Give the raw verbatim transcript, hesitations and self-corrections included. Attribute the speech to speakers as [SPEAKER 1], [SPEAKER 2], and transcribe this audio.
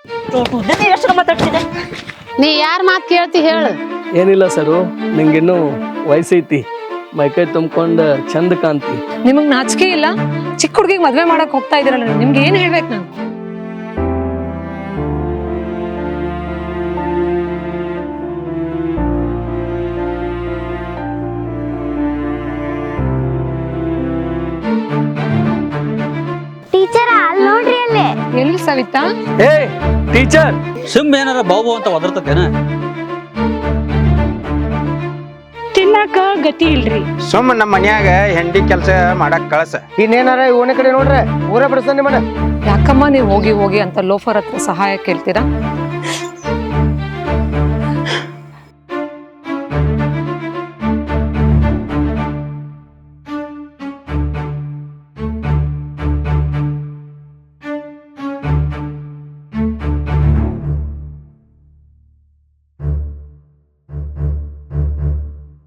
[SPEAKER 1] ಎಷ್ಟು ಮಾತಾಡ್ತಿದೆ
[SPEAKER 2] ನೀ ಯಾರ ಮಾತು ಕೇಳ್ತಿ ಹೇಳು.
[SPEAKER 3] ಏನಿಲ್ಲ ಸರು, ನಿಂಗಿನ್ನೂ ವಯಸ್ಸೈತಿ, ಮೈಕೈ ತುಂಬ್ಕೊಂಡು ಚಂದ ಕಾಂತಿ.
[SPEAKER 4] ನಿಮಗ್ ನಾಚಿಕೆ ಇಲ್ಲ? ಚಿಕ್ಕ ಹುಡುಗಿಗೆ ಮದ್ವೆ ಮಾಡಕ್ ಹೋಗ್ತಾ ಇದೀರಲ್ಲ, ನಿಮ್ಗೆ ಏನ್ ಹೇಳ್ಬೇಕು ನಾನು?
[SPEAKER 1] ಟೀಚರ್ ಅಲ್ಲಿ ನೋಡ್ರಿ ಅಲ್ಲೇ.
[SPEAKER 4] ಎಲ್ಲಿ ಸವಿತಾ?
[SPEAKER 3] ಏ ಟೀಚರ್,
[SPEAKER 5] ಸಿಮ್ ಏನಾರ ಬಾವು ಅಂತ ಒದರ್ತೇನ?
[SPEAKER 6] ತಿನ್ನಾಕ ಗತಿ ಇಲ್ರಿ.
[SPEAKER 7] ಸುಮ್ಮ ನಮ್ಮ ಮನ್ಯಾಗ ಹೆಂಡಿ ಕೆಲಸ ಮಾಡಕ್ ಕಳ್ಸ.
[SPEAKER 8] ಇನ್ನೇನಾರ ಓಣೆ ಕಡೆ ನೋಡ್ರೆ ಊರೇ ಬಿಡಿಸ್ತಾನೆ ನಿಮ್ಮನ್ನ.
[SPEAKER 4] ಯಾಕಮ್ಮ ನೀವು ಹೋಗಿ ಹೋಗಿ ಅಂತ ಲೋಫರ್ ಹತ್ರ ಸಹಾಯ ಕೇಳ್ತೀರಾ?